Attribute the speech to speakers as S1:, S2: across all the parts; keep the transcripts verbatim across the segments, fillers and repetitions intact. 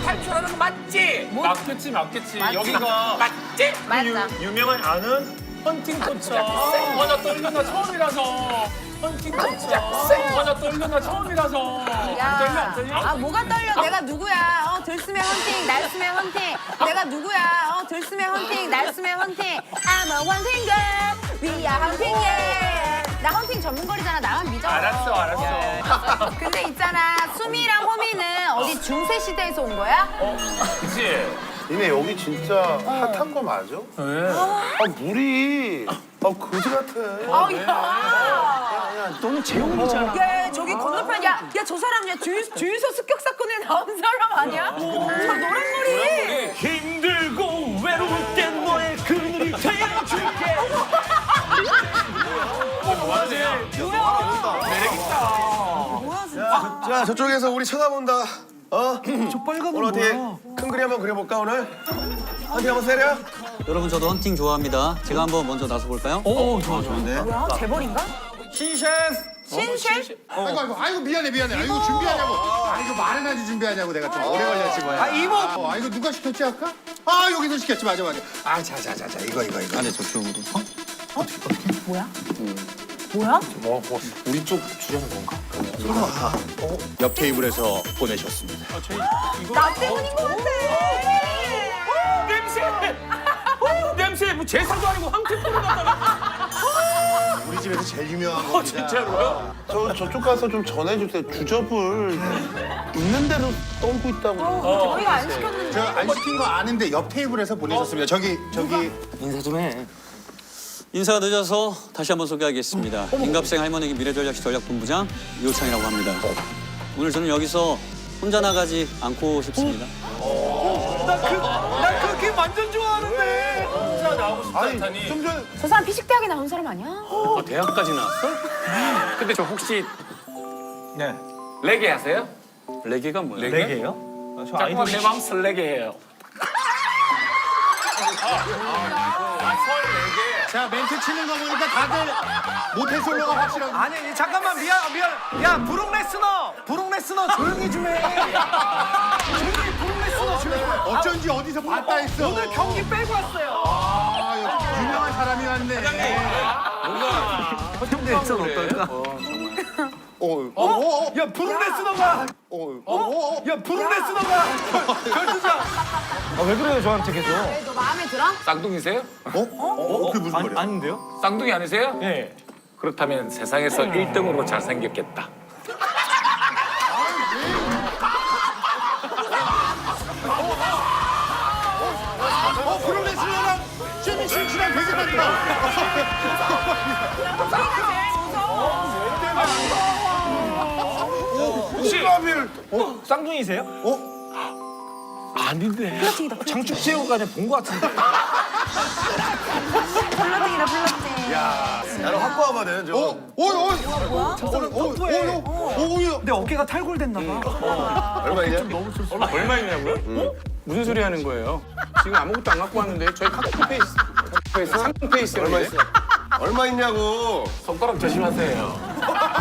S1: 탈출하는 거 맞지?
S2: 맞겠지 맞겠지.
S3: 맞지.
S2: 여기가
S1: 맞지?
S3: 맞아.
S2: 유, 유명한 아는 헌팅 포차. 맞아 떨려 나 처음이라서. 헌팅 포차. 맞아 떨려 나 처음이라서. 안 떨려 안 떨려?
S3: 아 뭐가 떨려? 내가 누구야? 어 들숨에 헌팅, 날숨에 헌팅. 내가 누구야? 어 들숨에 헌팅, 날숨에 헌팅. I'm a hunting girl. We are hunting yeah. 나 헌팅 전문거리잖아. 나만 믿어.
S2: 알았어 알았어.
S3: 근데 있잖아. 수미랑 호미는 어디 중세 시대에서 온 거야?
S2: 그치?
S4: 니네 여기 진짜 핫한 거 맞아?
S2: 왜?
S4: 아 물이 아 거지 같아.
S3: 아 야.
S5: 너는 재홍이잖아.
S3: 야 저기 건너편 야야 저 사람 야 주유, 주유소 습격 사건에 나온 사람 아니야? 저 노란머리.
S5: 힘들고 외로울 땐 너의 그늘이 되어줄게.
S2: 뭐하지?
S3: 뭐야 진짜.
S4: 자 저쪽에서 우리 쳐다본다. 어?
S5: 저 빨간
S4: 오늘
S5: 건
S4: 어떻게
S5: 뭐야?
S4: 큰 그림 한번 그려볼까 오늘? 어디 한번 세려?
S6: 여러분 저도 헌팅 좋아합니다. 제가 한번 먼저 나서 볼까요?
S5: 오 좋아 좋은데.
S3: 뭐야 재벌인가?
S5: 신셰프.
S3: 신쉐?
S7: 아이고 아이고 아이고 미안해 미안해. 아이고 준비하냐고. 아이고 말은 하지 준비하냐고 내가 좀 오래 걸렸지 뭐야.
S5: 아 이모.
S7: 어, 아 이거 누가 시켰지 아까? 아 여기서 시켰지 맞아 맞아. 아 자자자자 이거 이거 이거.
S6: 안에 저쪽으로. 어?
S3: 뭐야? 뭐야?
S4: 우리 쪽 주려는 건가?
S7: 옆 테이블에서 보내셨습니다.
S3: 나 때문인 것 같아.
S2: 냄새! 어, 냄새! 뭐 제사도 아니고 황태포를 갖다가.
S7: 우리 집에서 제일 유명한
S2: 어,
S7: 겁니다.
S2: 진짜로요?
S4: 저 저쪽 가서 좀 전해주세요. 주접을 있는 대로 떨고 있다고.
S2: 어.
S3: 저희가 안 시켰는데.
S7: 저 안 시킨 거 아는데 옆 테이블에서 보내셨습니다. 저기 저기
S5: 인사 좀 해.
S6: 인사가 늦어서 다시 한번 소개하겠습니다. 임갑생 할머니기 미래전략시 전략본부장 이호창이라고 합니다. 오늘 저는 여기서 혼자 나가지 않고 싶습니다.
S5: 나그 게임 완전 좋아하는데.
S2: 혼자 나오고 싶다
S4: 아니
S2: 했더니.
S4: 좀 전에
S3: 저 사람 피식대학에 나온 사람 아니야?
S2: 어, 대학까지 나왔어? 근데 저 혹시
S5: 네.
S2: 레게 하세요?
S6: 레게가 뭐예요?
S2: 레게?
S5: 레게예요? 아, 저
S2: 잠깐만
S5: 아이돌.
S2: 내 마음 설레게 해요.
S7: 자 멘트 치는 거 보니까 다들 모태솔로가 확실하고.
S5: 아니 잠깐만 미안 미안. 야 브룩 레스너. 브룩 레스너 조용히 좀 해. 조용히 브룩 레스너 조용히 좀 해.
S7: 어쩐지 어디서 봤다 했어.
S5: 오늘 경기 빼고 왔어요.
S7: 아, 유명한 사람이 왔네.
S5: 근데 전 어떨까?
S7: 어, 어, 어, 어,
S5: 야 브룩 레스너가.
S7: 어, 어, 어,
S5: 야 브룩 레스너가 결투장. 아왜 그래요 저한테 계속?
S3: 너 마음에 들어?
S2: 쌍둥이세요?
S7: 어, 어, 그게 무슨 말이야?
S5: 아닌데요?
S2: 쌍둥이 아니세요?
S5: 예.
S2: 그렇다면 세상에서 일 등으로 잘생겼겠다.
S7: 어, 프로레슬러랑 재미 신치랑 되게 많다.
S2: 혹시
S5: 쌍둥이세요? 어? 아닌데. 장축체육관에 본 것 같은데.
S3: 플러팅이다 플러팅.
S4: 나는 확 봐거든. 저.
S7: 어, 어, 어, 어, 어, 어, 어,
S5: 내 어깨가 탈골됐나 봐.
S4: 얼마냐?
S1: 얼마 있냐고요? 무슨 소리 하는 거예요? 지금 아무것도 안 갖고 왔는데 저희 카톡 페이스, 페이스 삼성 페이스
S4: 얼마 있어? 얼마 있냐고.
S2: 손가락 조심하세요.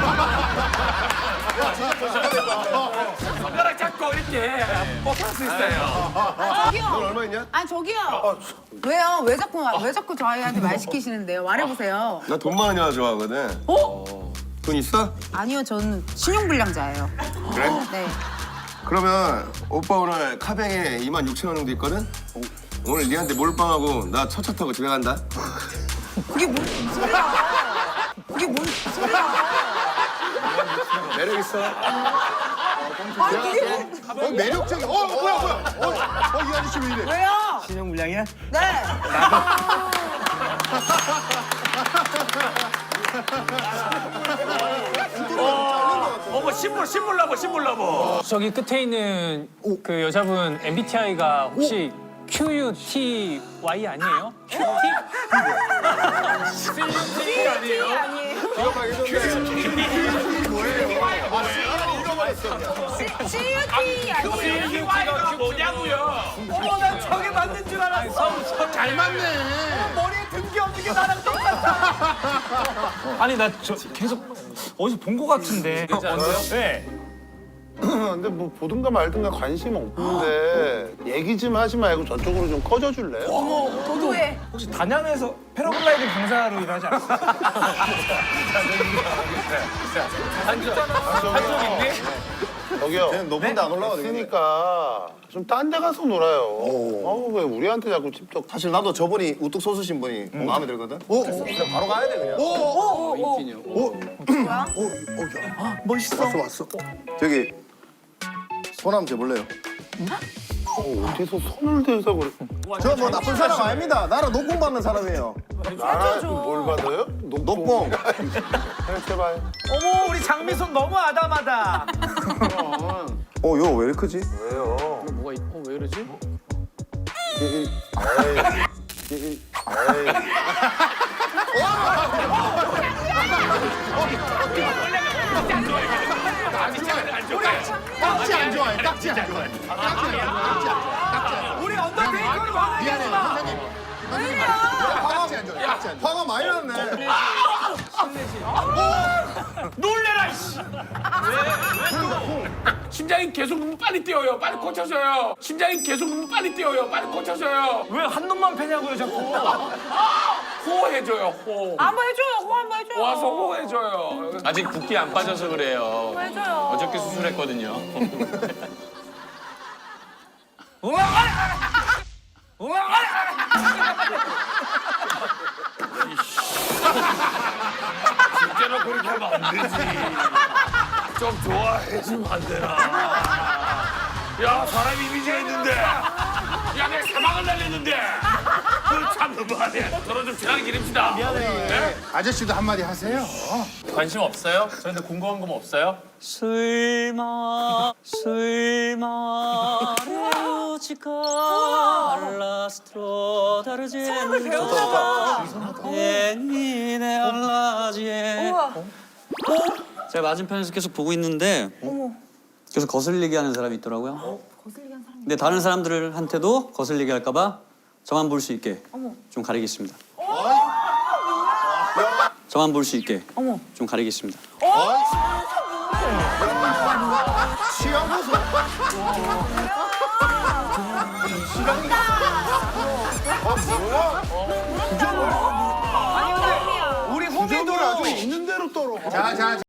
S2: 손가락 잡고 이렇게 뻗을 수 있어요.
S3: 아 저기요.
S4: 넌 얼마 있냐?
S3: 아 저기요. 왜요? 왜 자꾸 왜 자꾸 저희한테 말 시키시는데요? 말해보세요.
S4: 나 돈 많이 나 좋아하거든.
S3: 어?
S4: 돈 있어?
S3: 아니요, 저는 신용불량자예요.
S4: 그래?
S3: 네.
S4: 그러면 오빠 오늘 카뱅에 이만 육천 원 정도 있거든? 오늘 니한테 몰빵하고 나 첫차 타고 집에 간다.
S3: 그게 뭔 소리야? 그게 뭔 소리야?
S4: 매력 있어.
S3: 아 그게 뭔...
S7: 어, 매력적이. 어, 뭐야, 뭐야. 어, 어, 이 아저씨 왜 이래?
S3: 왜요?
S5: 신용불량이야?
S3: 네.
S2: 어머 신물 신물 나보 신물 나보.
S8: 저기 끝에 있는 그 여자분 엠비티아이가 혹시 큐유티와이 아니에요? 큐티?
S2: 티 아니에요?
S3: 아니에요. 씨유티 아니에요.
S2: 이게 뭐냐고요?
S5: 어머 난 저게 맞는 줄 알았어.
S7: 잘 맞네.
S5: 머리에 든 게 없는 게 나랑 똑같아. 아니 나 저 계속 어디서 본 것 같은데.
S2: 않아요?
S5: 네.
S7: 근데 뭐 보든가 말든가 관심 없는데 얘기 좀 하지 말고 저쪽으로 좀 꺼져 줄래요?
S3: 도도해.
S5: 혹시 단양에서 패러글라이딩 강사로 일하지 않았어요?
S2: 한적 있니?
S7: 저기요. 쟤는 높은 데 안 올라가 되니까 좀 딴 데 가서 놀아요. 아우 왜 우리한테 자꾸 찝쩍.
S4: 사실 나도 저분이 우뚝 솟으신 분이 마음에 들거든. 오, 그냥 바로 가야 돼 그냥.
S1: 인기녀.
S4: 멋있어. 왔어 왔어. 저기 손 한번 재볼래요?
S7: 어디서 손을 대서 그래.
S4: 저 뭐 나쁜 사람 아닙니다. 나랑 녹봉 받는 사람이에요.
S7: 나랑 뭘 받아요?
S4: 녹봉.
S7: 그냥 제발.
S5: 어머 우리 장미손 너무 아담하다.
S4: 어, 이거 왜 이렇게 크지?
S7: 왜요?
S1: 뭐가 있... 어, 왜 이러지?
S7: 에이. 에이. 딱지 안 좋아해. 딱지 안 좋아해.
S5: 우리 언더테이커를 화내지 마.
S7: 선생님. 딱지 안 좋아해. 딱지 안 좋아해.
S4: 화가 많이 났네.
S2: 놀래라 씨. 왜? 심장이 계속 너무 빨리 뛰어요. 빨리 고쳐줘요. 심장이 계속 너무 빨리 뛰어요. 빨리 고쳐줘요.
S5: 왜 한 놈만 패냐고요 자꾸.
S2: 호해줘요. 호.
S3: 한번 해줘요. 호 한번 해줘요.
S2: 와서 호해줘요.
S1: 아직 붓기 안 빠져서 그래요.
S3: 해줘요.
S1: 어저께 수술했거든요.
S2: 진짜로 그렇게 하면 안 되지. 좀 좋아해주면 안 되나. 야 사람 이미지가 있는데. 야 내가 사망을 날렸는데. 그참 너무하네. 서로 좀 친하게 지냅시다. 미안해.
S7: 아저씨도 한마디 하세요.
S2: 관심 없어요? 저한테 궁금한 거 없어요?
S6: 술마 술마 레오치카 알라스트로 다르제누가 예니네 알라지에 제가 맞은편에서 계속 보고 있는데 계속 거슬리게 하는 사람이 있더라고요. 근데 다른 사람들한테도 거슬리게 할까봐 저만 볼 수 있게 좀 가리겠습니다. 저만 볼 수 있게 좀 가리겠습니다.
S7: 취향 보소.
S5: 우리 호미도
S7: 아주 있는 대로 떨어. 자, 자, 자.